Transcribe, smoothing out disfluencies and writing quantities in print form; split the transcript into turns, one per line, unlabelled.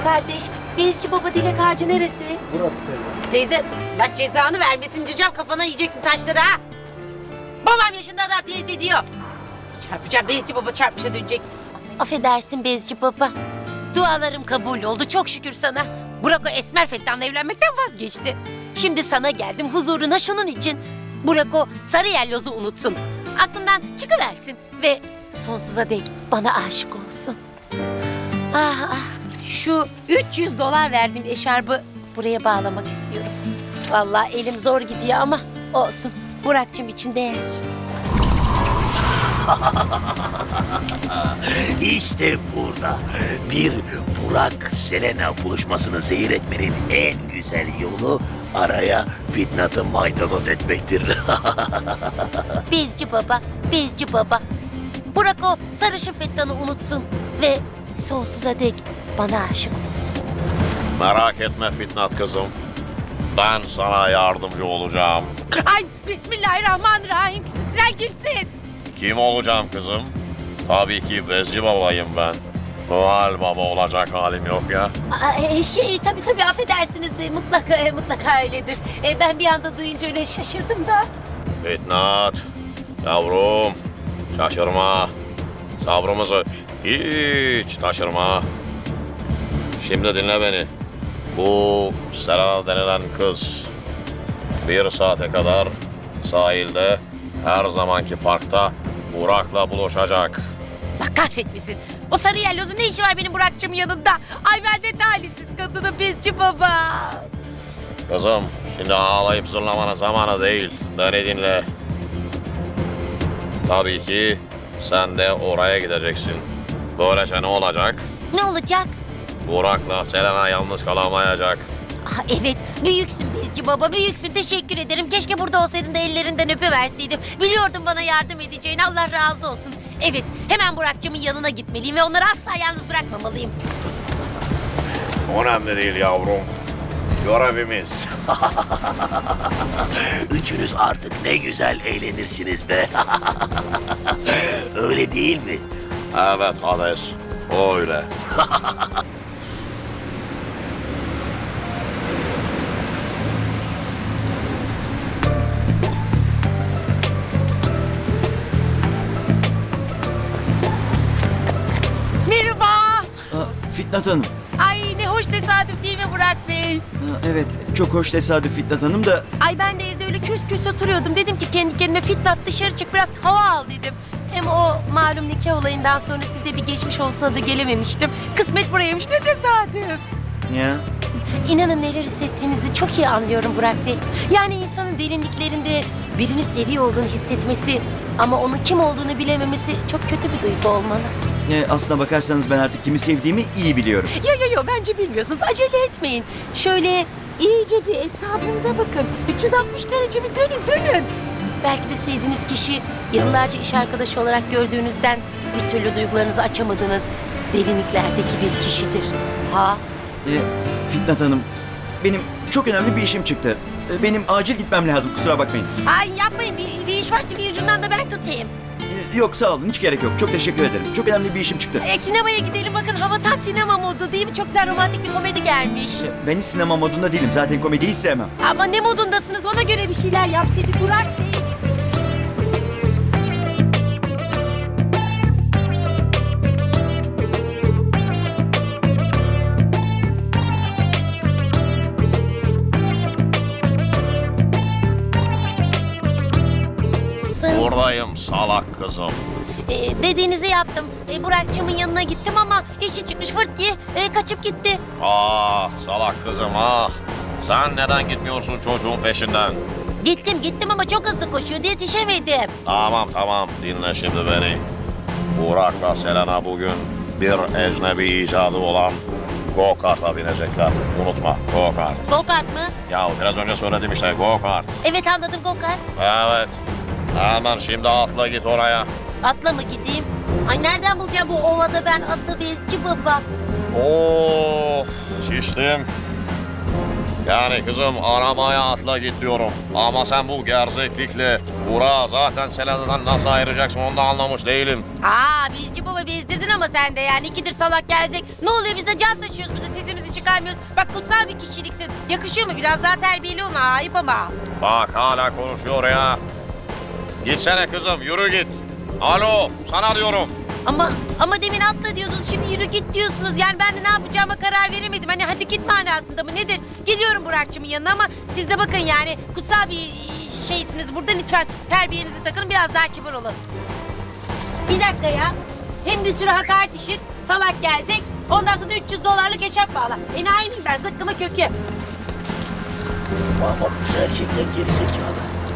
Kardeş, Bezci Baba Dilek Ağacı neresi?
Burası teyze.
Teyze, Allah cezanı vermesin diyeceğim, kafana yiyeceksin taşları ha. Babam yaşında adam teyze diyor. Çarpacağım, Bezci Baba çarpmışa dönecek. Affedersin Bezci Baba. Dualarım kabul oldu, çok şükür sana. Burak o Esmer Fettan'la evlenmekten vazgeçti. Şimdi sana geldim huzuruna şunun için. Burak o sarı yellozu unutsun. Aklından çıkıversin ve sonsuza dek bana aşık olsun. Ah ah, şu $300 verdiğim eşarbı buraya bağlamak istiyorum. Vallahi elim zor gidiyor ama olsun. Burak'cığım için değer.
İşte burada bir Burak-Selena buluşmasını zehir etmenin en güzel yolu araya Fitnat'ı maydanoz etmektir.
Bezci Baba, Bezci Baba. Burak o sarışın Fettan'ı unutsun ve sonsuza dek bana aşık olsun.
Merak etme Fitnat kızım. Ben sana yardımcı olacağım.
Ay Bismillahirrahmanirrahim. Sen kimsin?
Kim olacağım kızım? Tabii ki Bezci babayım ben. Noel Baba olacak halim yok ya.
Tabii affedersiniz de mutlaka öyledir. Ben bir anda duyunca öyle şaşırdım da.
Fitnat, yavrum şaşırma. Sabrımızı hiç taşırma. Şimdi dinle beni. Bu Selena denilen kız 1 saate kadar sahilde her zamanki parkta Burak'la buluşacak.
Allah kahretmesin. O sarı yellozun ne işi var benim Burak'cığımın yanında? Ay ben de talihsiz kadını Bezci Baba.
Kızım şimdi ağlayıp zırlamanın zamanı değil. Beni dinle. Tabii ki sen de oraya gideceksin. Böylece ne olacak?
Ne olacak?
Burak'la Selena yalnız kalamayacak.
Ah, evet, büyüksün Bezci Baba, büyüksün. Teşekkür ederim. Keşke burada olsaydın da ellerinden öpüverseydim. Biliyordum bana yardım edeceğini. Allah razı olsun. Evet, hemen Burak'cığımın yanına gitmeliyim ve onları asla yalnız bırakmamalıyım.
Önemli değil yavrum. Görevimiz.
Üçünüz artık ne güzel eğlenirsiniz be. Öyle değil mi?
Evet Hades, öyle.
Merhaba.
Fitnat Hanım.
Ay ne hoş tesadüf değil mi Burak Bey?
Evet, çok hoş tesadüf Fitnat Hanım da...
Ay ben de evde öyle küs küs oturuyordum. Dedim ki kendi kendime Fitnat dışarı çık biraz hava al dedim. Hem o malum nikah olayından sonra size bir geçmiş olsa da gelememiştim. Kısmet buraymış ne tesadüf.
Ya,
İnanın neler hissettiğinizi çok iyi anlıyorum Burak Bey. Yani insanın derinliklerinde birini seviyor olduğunu hissetmesi ama onun kim olduğunu bilememesi çok kötü bir duygu olmalı.
aslına bakarsanız ben artık kimi sevdiğimi iyi biliyorum.
Yo bence bilmiyorsunuz. Acele etmeyin. Şöyle iyice bir etrafınıza bakın. 360 derece bir dönün. Belki de sevdiğiniz kişi yıllarca iş arkadaşı olarak gördüğünüzden bir türlü duygularınızı açamadığınız derinliklerdeki bir kişidir. Ha?
Fitnat Hanım, benim çok önemli bir işim çıktı. Benim acil gitmem lazım, kusura bakmayın.
Ay yapmayın. Bir iş varsa bir ucundan da ben tutayım.
Yok sağ olun, hiç gerek yok. Çok teşekkür ederim. Çok önemli bir işim çıktı.
Sinemaya gidelim bakın hava tam sinema modu değil mi? Çok güzel romantik bir komedi gelmiş.
Ben hiç sinema modunda değilim. Zaten komediyi hiç sevmem.
Ama ne modundasınız ona göre bir şeyler yapsaydık Burak Bey.
Buradayım salak kızım.
Dediğinizi yaptım. Burak'cığımın yanına gittim ama işi çıkmış fırt diye kaçıp gitti.
Ah salak kızım ah. Sen neden gitmiyorsun çocuğun peşinden?
Gittim ama çok hızlı koşuyordu yetişemedim.
Tamam dinle şimdi beni. Burak'la Selena bugün bir ecnebi icadı olan go-kart'a binecekler. Unutma go-kart.
Go-kart mı?
Ya biraz önce söyledim işte go-kart.
Evet anladım go-kart.
Evet. Hemen şimdi atla git oraya.
Atla mı gideyim? Ay nereden bulacağım bu ovada ben atı Bezci Baba?
Of şiştim. Yani kızım arabaya atla git diyorum. Ama sen bu gerzeklikle Burak'ı zaten Selena'dan nasıl ayıracaksın onu da anlamış değilim.
Bezci Baba bezdirdin ama sen de yani. İkidir salak gelecek. Ne oluyor, biz de can taşıyoruz, biz de sesimizi çıkarmıyoruz. Bak kutsal bir kişiliksin. Yakışıyor mu? Biraz daha terbiyeli ona, ayıp ama.
Bak hala konuşuyor ya. Gitsene kızım, yürü git. Alo, sana diyorum.
Ama demin atla diyordunuz, şimdi yürü git diyorsunuz. Yani ben de ne yapacağıma karar veremedim. Hani hadi git manasında mı nedir? Geliyorum Burak'cığımın yanına ama siz de bakın yani kutsal bir şeysiniz. Burada lütfen terbiyenizi takın, biraz daha kibar olun. Bir dakika ya. Hem bir sürü hakaret işit, salak gelecek. Ondan sonra $300 eşarp bağla. Enayi miyim ben, zıkkıma kökü.
Ama gerçekten gerizekalı.